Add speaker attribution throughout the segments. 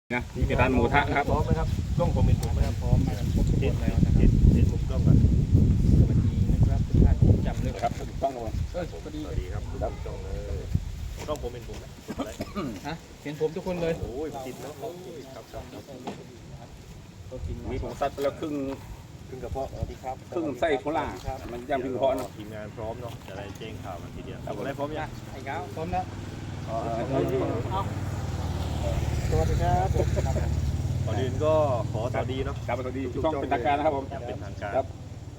Speaker 1: นะนี่เป็นร้านหมูทะครับ
Speaker 2: พร้อมไหมครับกล้องผมเป็นผมนะครับพร้อมกันครบทุกคนแล้วนะครับเห็นมุมกล้องก่อน
Speaker 3: สวัสดีนะครับทุกท่านจำเลย
Speaker 1: ครับถูกต้องครับ
Speaker 2: สวัสดีครับกล้องเลยกล้องผมเป็นผมนะอะไร
Speaker 3: ฮะเห็นผมทุกคนเลย
Speaker 2: โอ้ยติดเนาะครับ
Speaker 1: มีผมซัดไปแล้วครึ่ง
Speaker 2: ครึ่งกระเพาะสวัสดีครับ
Speaker 1: ครึ่งไส้โครามันย่างพิงเพาะเนาะ
Speaker 2: ทีมงานพร้อมเนาะจะได้แจ้งข่าวกันทีเดียวอะไรพร้อมยัง
Speaker 3: ไอ้ก้าวพร้อมแล้ว
Speaker 2: สวัสดีครับก่อนอื่นก็ขอสวัสดีเนาะ
Speaker 1: ครับสวัสดีช่องเป็นทางการนะครับผม
Speaker 2: เป็นทางการ
Speaker 1: ครับ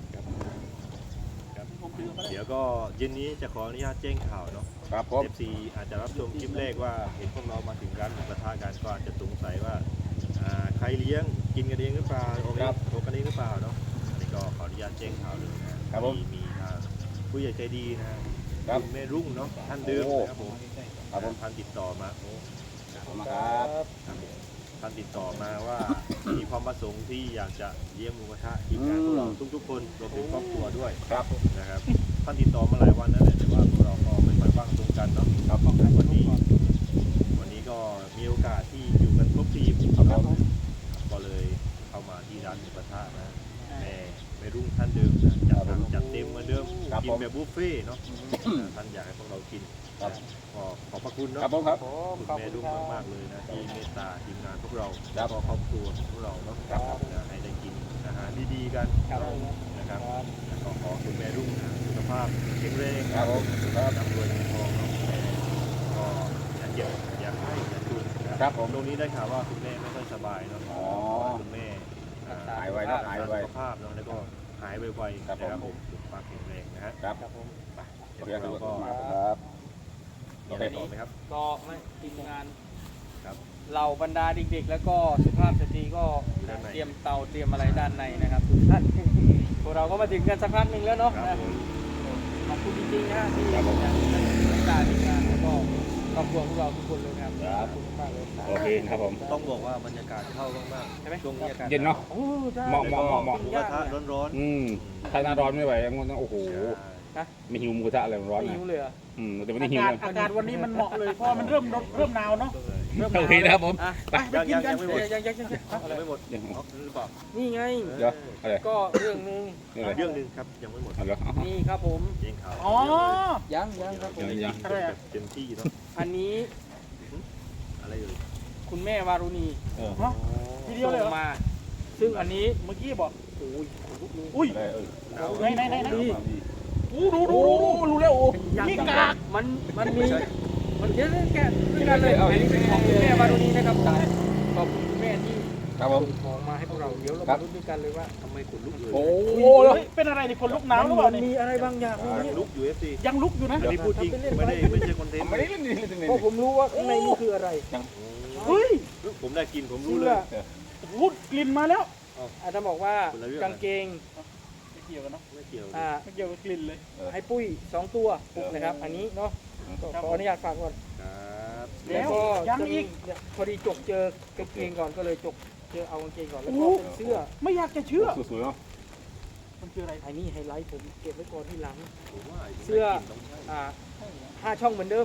Speaker 2: เดี๋ยวก็เย็นนี้จะขออนุญาตแจ้งข่าวเนาะ
Speaker 1: ครับผม
Speaker 2: FC อาจจะรับชมคลิปแรกว่าเห็นพวกเรามาถึงร้านหมูกระทะกันก็อาจจะสงสัยว่าใครเลี้ยงกินกันเองหรือเปล่าโอเคโทรกันเองหรือเปล่าเนาะอันนี้ก็ขออนุญาตแจ้งข่าวเลยนะครับมีทางผู้ใหญ่ใจดีนะคุณแม่รุ่งเนาะท่านเดิมนะครับผมท่านติดต่อมาโอ้
Speaker 1: ขอบคุณครับ
Speaker 2: ท่านติดต่อมาว่ามีความประสงค์ที่อยากจะเลี้ยงหมูกระทะทีมงานพวกเราทุกๆคนรวมถึงครอบครัวด้วย
Speaker 1: ครับ
Speaker 2: นะครับท่านติดต่อมาหลายวันนั่นแหละแต่ว่าพวกเราก็ไม่ค่อยว่างตรงกันเนาะ
Speaker 1: ครับ
Speaker 2: วันนี้ก็มีโอกาสที่อยู่กันครบทีม
Speaker 1: ครับผม
Speaker 2: ก็เลยเข้ามาที่ร้านหมูกระทะนะแม่รุ่งท่านเดิมนะจัดเต็มเหมือนเดิมกินแบบบุฟเฟ่ต์เนาะท่านอยากให้พวกเรากินก็ขอบพระคุณเนาะ
Speaker 1: ครับผมครับ
Speaker 2: คุณแม่รุ่งมากๆเลยนะที่เมตตาทีมงานพวกเรา
Speaker 1: ครั
Speaker 2: แล้ว
Speaker 1: บ
Speaker 2: ก็ครอบครัวของพวกเราเนาะให้ได้กินอาหารดีๆกันนะครับแล้วก็ขอคุณแม่รุ่งนะสุขภาพแข็งแรง
Speaker 1: ครับผมครับ
Speaker 2: ร่ำรวยเงินทองเนาะคุณแม่ก็อย่าเจ็บอย่าให้อย่าทุนนะครับ
Speaker 1: ผม
Speaker 2: ตรงนี้ได้ข่าวว่าคุณแม่ไม่ค่อยสบายเนาะ
Speaker 1: อ๋อ
Speaker 2: คุณแม่
Speaker 1: หายไวนะหายไว
Speaker 2: สุขภาพเนาะแล้วก็หายไวๆ
Speaker 1: ครับผม
Speaker 2: นะครับผมสุขภาพแข็งแรงนะฮะ
Speaker 1: ครับ
Speaker 2: เดี๋ยว
Speaker 1: เรียก
Speaker 2: เราก็
Speaker 1: ครับ
Speaker 2: มีอะไรต่อไหมครับ
Speaker 3: ก็ไม่ทีมงาน
Speaker 2: ครับ
Speaker 3: เหล่าบรรดาเด็กๆ แล้วก็สุภาพสตรีก็
Speaker 2: อยู่ด้านใน
Speaker 3: เตรียมเตาเตรียมอะไรด้านในนะครับทุกท่านพวกเราก็มาถึงกันสักพักหนึ่งแล้วเนาะ
Speaker 2: ครับ
Speaker 3: นะ
Speaker 2: ผม
Speaker 3: ขอบคุณจริงๆนะที่
Speaker 1: ครับผม
Speaker 3: บรรดาทีมงานแล้วก็ครอบครัวพวกเราทุกคนเลยครับ
Speaker 1: ครับ
Speaker 3: ขอบคุณมากเลย
Speaker 1: โอเคครับผม
Speaker 2: ต้องบอกว่าบรรยากาศเข้ามากๆ
Speaker 3: ใช่ไหม
Speaker 2: ช่วงนี้อากาศ
Speaker 1: เย็นเนาะ
Speaker 3: โอ้ใช่
Speaker 1: เหมาะเหมาะเหมาะเหมาะ
Speaker 2: หมูกระทะร้อน
Speaker 1: ถ้าหน้าร้อนไม่ไหวมันต้องโอ้โห
Speaker 2: ๆ
Speaker 3: นะ
Speaker 1: ไม่หิวหมูกระทะอะไรร้อน
Speaker 3: ไม่
Speaker 1: นะ
Speaker 3: หิวเลยเหรอ
Speaker 1: แต่ไม่ได้หิว
Speaker 4: อากาศ
Speaker 1: นะ
Speaker 4: อากาศวันนี้มันเหมาะเลยเพราะมันเริ่มหนาวเนาะ
Speaker 1: โอเคนะครับผม
Speaker 3: อ่ะ
Speaker 4: ไปกินกัน
Speaker 2: ยังไม่หมด
Speaker 3: ยัง
Speaker 2: ยังไม่หมด
Speaker 1: เดี๋ยว
Speaker 2: อ๋อหรือเปล่า
Speaker 3: นี่ไง
Speaker 1: เดี๋ยวอะไร
Speaker 3: ก็เรื่องหนึง
Speaker 1: นี่อะไร
Speaker 2: เรื่องหนึงครับยังไม่หมด
Speaker 1: เอาเหรอเอา
Speaker 3: นี่ครับผม
Speaker 2: เองข่าว
Speaker 4: อ๋อ
Speaker 3: ยังครับผม
Speaker 1: ยัง
Speaker 4: อะไรอะ
Speaker 2: เต็มที่เนาะ
Speaker 3: อันนี้
Speaker 2: อะไรอยู่
Speaker 3: คุณแม่วารุณี
Speaker 4: ฮะทีเดียวเลยเหร
Speaker 3: ส่
Speaker 4: อง
Speaker 3: มา ซึ่งอันนี้
Speaker 4: เมื่อกี้บอก
Speaker 3: โอ้ยขนลุกเลย
Speaker 4: อุ้ย
Speaker 1: อะไร
Speaker 2: หนาว
Speaker 4: ไหน
Speaker 3: ดี
Speaker 4: อู้ดูรู้แล้วโอ้นี่กาก
Speaker 3: มันมีมันเยอะเลยแกะด้วยกันเลยของคุณแม่วารุณีนะครับขอบคุณคุณแม่ที่
Speaker 1: ครับผม
Speaker 3: ส่งของมาให้พวกเราเดี๋ยวเรา
Speaker 1: ครั
Speaker 3: มา
Speaker 1: บ
Speaker 3: ลุ้นด้วยกันเลยว่า
Speaker 2: ทำไมขนลุกเลย
Speaker 1: โอ้
Speaker 4: เฮ้ยเป็นอะไรนี่คนลุกหนาวหรือเปล่า
Speaker 3: มัน
Speaker 4: นี่
Speaker 3: มีอะไรบางอย่างในนี้
Speaker 2: ลุกอยู่ FC
Speaker 4: ยังลุกอยู่นะ
Speaker 2: อันนี้พูดจริงไม่ใช่คอนเทนต์
Speaker 1: ไม่ได้เล่นนี่เล่นนี่
Speaker 3: เพราะผมรู้ว่าข้างในนี่คืออะไร
Speaker 4: เฮ้ย
Speaker 2: ผมได้กินผมรู้
Speaker 3: เสื้
Speaker 2: เล
Speaker 3: อย
Speaker 4: โอ้โหกลิ่นมาแล้ว
Speaker 3: อาจจะบอกว่ากางเกง
Speaker 4: ไม่เกี่ยวกันเนาะ
Speaker 2: ไม่เกี่ยว
Speaker 4: ไม่เกี่ยวกับกลิ่นเลย
Speaker 3: ให้ปุ้ย2ตัวปุกนะครับ อันนี้เนาะก็ขออนุญาตฝากก่อน
Speaker 2: ครับ
Speaker 3: แล้วก็
Speaker 4: ยังอีก
Speaker 3: เนี่ยพอดีจกเจอกางเกงก่อนก็เลยจกเจอเอากางเกงก่อนแล้วก็เป็นเสื้อ
Speaker 4: ไม่อยากจะเชื่อ
Speaker 1: สวยๆเนาะ
Speaker 4: มันคืออะไร
Speaker 3: ไอ้นี่ไฮไลท์ผมเก็บไว้ก่อนที่หลัง
Speaker 2: ผมว่า
Speaker 3: เสื้อ 5 ช่องเหมือนเดิม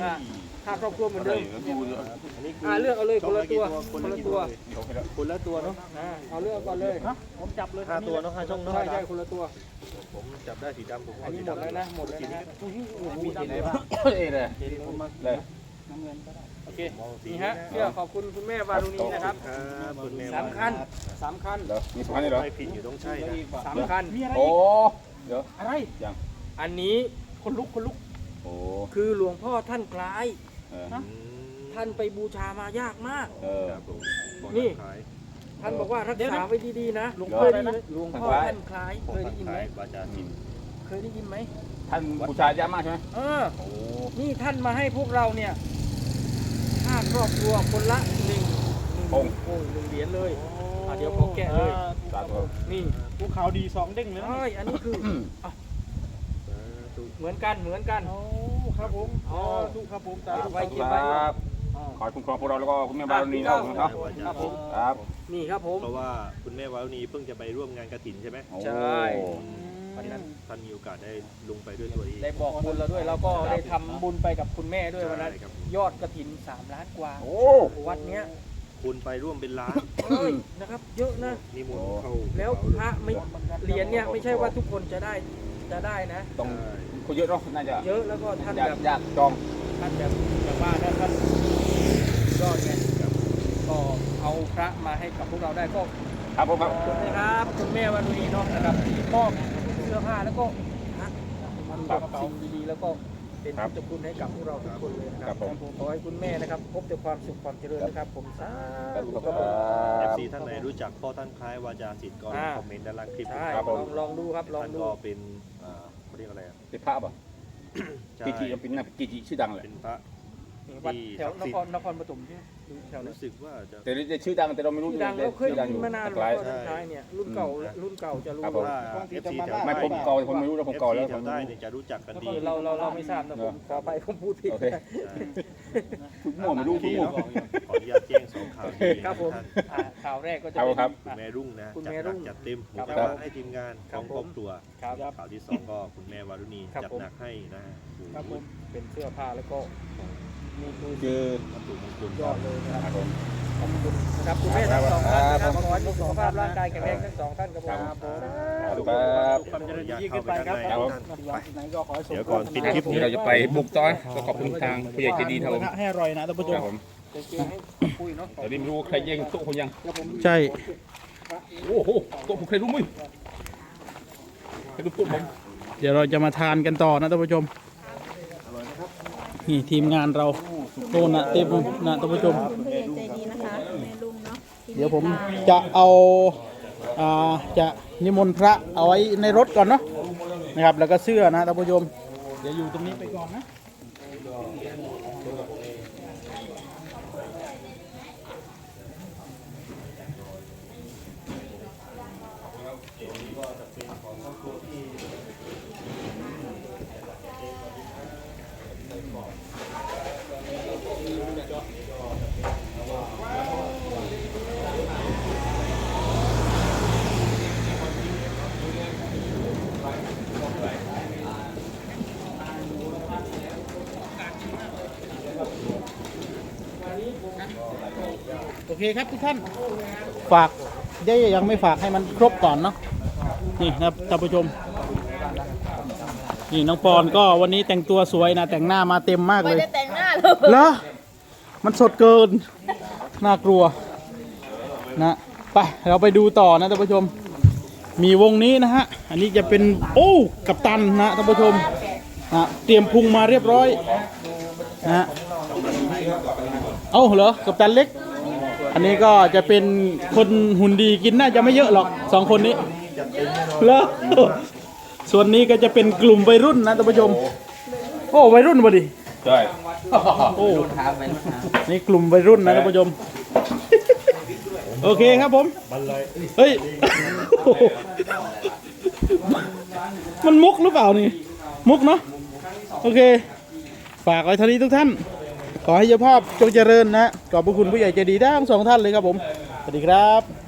Speaker 3: 5ครอบครัวเหมือนเดิม
Speaker 1: ดู
Speaker 2: อันนี้
Speaker 3: เลือกเอาเลยคนละตัว
Speaker 2: คน
Speaker 3: คน
Speaker 2: ละ
Speaker 3: ละ
Speaker 2: ตั
Speaker 3: ตัว ว
Speaker 2: คนละตัวเนาะ
Speaker 3: เอาเลือกก่อนเลย
Speaker 4: ฮะผมจับเลย
Speaker 2: 5 ตัวเนาะ5ช่องเนาะ
Speaker 3: ใช่คนละตัว
Speaker 2: ผมจับได้สีดำผม
Speaker 3: อั
Speaker 2: เอา
Speaker 3: นนี้
Speaker 2: สี
Speaker 3: หมด
Speaker 2: ดำ
Speaker 3: แล้วนะหมดแล้วนะฮะ
Speaker 2: มีสีไหนบ้าง
Speaker 1: เอ้ยเลย
Speaker 3: เห็นเลย
Speaker 1: เลย
Speaker 4: น้ำเงินก็ได้
Speaker 3: โอเคนี่ฮะเสื้อขอบคุณคุณแม่วารุณีนะครับ
Speaker 2: ครับคุณแม่
Speaker 3: สำคัญสำคัญ
Speaker 1: เหรอมีสำคัญนี่เหรอ
Speaker 2: ไม่ผิดอยู่ต้องใช่นะ
Speaker 3: สำคัญ
Speaker 4: มีอะไร
Speaker 1: โอ้
Speaker 4: อีก
Speaker 1: เดี๋ยว
Speaker 4: อะไร
Speaker 3: อันนี้
Speaker 4: คนลุก
Speaker 1: โอ้
Speaker 3: คือหลวงพ่อท่านคล้าย
Speaker 1: เออ
Speaker 3: ท่านไปบูชามายากมาก
Speaker 1: เออ
Speaker 2: ครับผม
Speaker 3: นี่
Speaker 2: ขาย
Speaker 3: ท่านบอกว่ารักษาไว้ดีๆนะ
Speaker 4: หลวง
Speaker 3: เค
Speaker 4: พ่อย
Speaker 3: ได้
Speaker 4: อะไร
Speaker 3: ยิน
Speaker 4: นะ
Speaker 3: หลวงพ่อท่านคล้ายเคยได้ยินไหม
Speaker 2: วาจาจิต
Speaker 3: เคยได้ยินไหม
Speaker 1: ท่านบูชาเยอะมากใช่ไหม
Speaker 3: เออ
Speaker 1: โอ้
Speaker 3: นี่ท่านมาให้พวกเราเนี่ยค่าครอบครัวคนละ1 เหรียญเลยเดี๋ยวขอแกะเลย
Speaker 1: สาธุ
Speaker 3: นี่
Speaker 4: ภูเขาดีสองเด้งเลยนะ
Speaker 3: เอ้ยอันนี้คือเหมือนกันเหมือนกัน
Speaker 4: โอ้ครับผม
Speaker 3: อ๋อ
Speaker 4: ทุกครับผม
Speaker 3: เก็บไว้
Speaker 1: ค
Speaker 3: เก็บไว้
Speaker 1: รับขอให้คุ้มครองพวกเราแล้วก็คุณแม่บารมีนะครับ
Speaker 3: ครับผม
Speaker 1: ครับ
Speaker 3: นี่ครับผม
Speaker 2: เพราะว่าคุณแม่วารุณีเพิ่งจะไปร่วมงานกฐินใช่ไหม
Speaker 3: ใช่
Speaker 2: วันนั้นท่านมีโอกาสได้ลงไปด้วยตัวเอง
Speaker 3: ได้บอกบุญเราด้วยเราก็ได้ทำบุญไปกับคุณแม่ด้วยวันนั้น
Speaker 2: ใช่ครับ
Speaker 3: ยอดกระถิน3 ล้านกว่า
Speaker 1: โอ้
Speaker 3: วัดเนี้ย
Speaker 2: คนไปร่วมเป็นล้าน
Speaker 3: นะครับเยอะนะ
Speaker 2: นิมนต์เข้า
Speaker 3: แล้วพระไม่เหรียญเนี่ยไม่ใช่ว่าทุกคนจะได้นะ
Speaker 1: ต้องคนเยอะเนาะน่าจะ
Speaker 3: เยอะแล้วก็ท่าน
Speaker 1: ยาก
Speaker 3: แบบ
Speaker 1: ยากจอง
Speaker 3: ท่านแบบว่าท่านยอดไงก็เอาพระมาให้กับพวกเราได้ก็
Speaker 1: ครับผมครับ
Speaker 3: ขอบคุณนะครับคุณแม่วันนี้เนาะนะครับที่มอบเสื้อผ้าแล้วก็พระมันแบบสิ่งดีๆแล้วก็เป็นพุทธคุณให้กับพวกเราทุกคนเลยนะครับขอให้คุณแม่นะครับพบแต่ความสุขความเจริญนะครับผมสาธุครับผม
Speaker 2: FC ท่านไหนรู้จักพ่อท่านคล้ายวาจาศิษย์ก็คอมเมนต์ด้านล่างคลิป
Speaker 3: ใช่ลองดูครับลอง
Speaker 2: ท่าน
Speaker 3: ดู
Speaker 2: ก็เป็นเขาเรียกอะไรอ่ะ
Speaker 1: เป็นพระป่ะ
Speaker 2: ใช่
Speaker 1: กิจิเป็นนะกิจิชื่อดังเลย
Speaker 2: เป็นพระ
Speaker 3: วัดแถวนครปฐมใช่ไหมแถวนั้น
Speaker 2: รู้สึกว่าจะ
Speaker 1: แต่จะชื่อดังแต่เราไม่รู้
Speaker 3: ชื่อดังแล้วเคยได้ยินมานาน
Speaker 1: ไกล
Speaker 3: แล้วท้ายเนี่ยรุ่นเก่าจะรู้
Speaker 1: ครับผม
Speaker 2: ว่า FC แถว
Speaker 1: ไม่ผมเก่าผมไม่รู้แล้วผมเก่าแล้ว
Speaker 2: แถวใต้เนี่ยจะรู้จักกันดี
Speaker 3: เราไม่ทราบนะผมขอไปผมพูดผิด
Speaker 1: โอเคทุกหมู่ไม่รู้ทุกหมู่
Speaker 2: ขออนุญาตแจ้งสองข่าวดี
Speaker 3: ครับผม
Speaker 2: ท่าน
Speaker 3: ข่าวแรกก็จะ
Speaker 1: ครับ
Speaker 2: คุณแม่รุ่งนะ
Speaker 3: คุณ
Speaker 2: จัด
Speaker 3: แม่
Speaker 2: ห
Speaker 3: รุ่
Speaker 2: นัก
Speaker 3: ง
Speaker 2: จัดเต็มหมู
Speaker 3: ครับ
Speaker 2: กระทะให้ทีมงาน
Speaker 3: ครั
Speaker 2: ข
Speaker 3: บ
Speaker 2: องครอบครัว
Speaker 3: ครับ
Speaker 2: ข่าวที่สองก็คุณแม่วารุณี
Speaker 3: ครับ
Speaker 2: จัด
Speaker 3: ผม
Speaker 2: หนักให้นะฮะ
Speaker 3: ครับผมเป็นเสื้อผ้าแล้วก็มีคือ
Speaker 1: คือ
Speaker 2: วัตถุมงคล
Speaker 3: ยอดเลยนะ
Speaker 1: ค
Speaker 3: ค
Speaker 1: รั
Speaker 3: รั
Speaker 1: บบ ผม
Speaker 3: ขอบคุณนะครับคุณแม่ทั้งสองท่านนะครับขอให้มีสุขภาพร่างกายแข็งแรงทั้งสองท่านครับผม
Speaker 1: ครับ
Speaker 3: ความเจริญยิ่งขึ้นไปครับ
Speaker 1: ครับผม
Speaker 3: ไหนก็ขอให้สม
Speaker 2: เดี๋ยวก่อนปิดคลิป
Speaker 1: เดี๋ยวเราจะไปบุกต้อนก็ขอบคุณทางผู้ใหญ่ใจดีครับผม
Speaker 4: ให้อร่อยนะท่านผู้ช
Speaker 1: ค
Speaker 4: ม
Speaker 1: รับผม
Speaker 3: ให้คุยเนาะ
Speaker 1: เดี๋ยวนี้ไม่รู้ว่าใครแย่งโต๊ะคนยัง
Speaker 4: ใช่
Speaker 1: โอ้โหโต๊ะผมใครรู้มั้ยใครรู้โต๊ะผม
Speaker 4: เดี๋ยวเราจะมาทานกันต่อนะท่านผู้ชมนี่ทีมงานเราโน่นนะเต็มนะท่านผู้ชม
Speaker 5: คุณผู้ใหญ่ใจดีนะคะแม่ลุงเนาะ
Speaker 4: เดี๋ยวผมจะเอาจะนิมนต์พระเอาไว้ในรถก่อนเนาะนะครับแล้วก็เสื้อนะท่านผู้ชมเดี๋ยวอยู่ตรงนี้ไปก่อนนะ โอเคครับทุกท่านฝากยังไม่ฝากให้มันครบก่อนเนาะนี่นะครับท่านผู้ชมนี่น้องปอนก็วันนี้แต่งตัวสวยนะแต่งหน้ามาเต็มมาก
Speaker 5: ไม่
Speaker 4: เลย
Speaker 5: ได้แต่งหน้าเลย
Speaker 4: เหรอมันสดเกินน่ากลัวนะไปเราไปดูต่อนะท่านผู้ชมมีวงนี้นะฮะอันนี้จะเป็นโอ้กัปตันนะท่านผู้ชมนะเตรียมพุงมาเรียบร้อยนะเอ้าเหรอกัปตันเล็กอันนี้ก็จะเป็นคนหุ่นดีกินน่าจะไม่เยอะหรอกสองคนนี้เหรอส่วนนี้ก็จะเป็นกลุ่มวัยรุ่นนะท่านผู้ชมโอ้วัยรุ่นพอดี
Speaker 1: ใช่
Speaker 4: โอ้นี่กลุ่มวัยรุ่นนะท่านผู้ชมโอเคครับผมเฮ้ยมันมุกหรือเปล่านี่มุกเนาะโอเคฝากไว้เท่านี้ทุกท่านขอให้เจ้าภาพจงเจริญนะขอบพระคุณผู้ใหญ่ใจดีทั้งสองท่านเลยครับผมสวัสดีครับ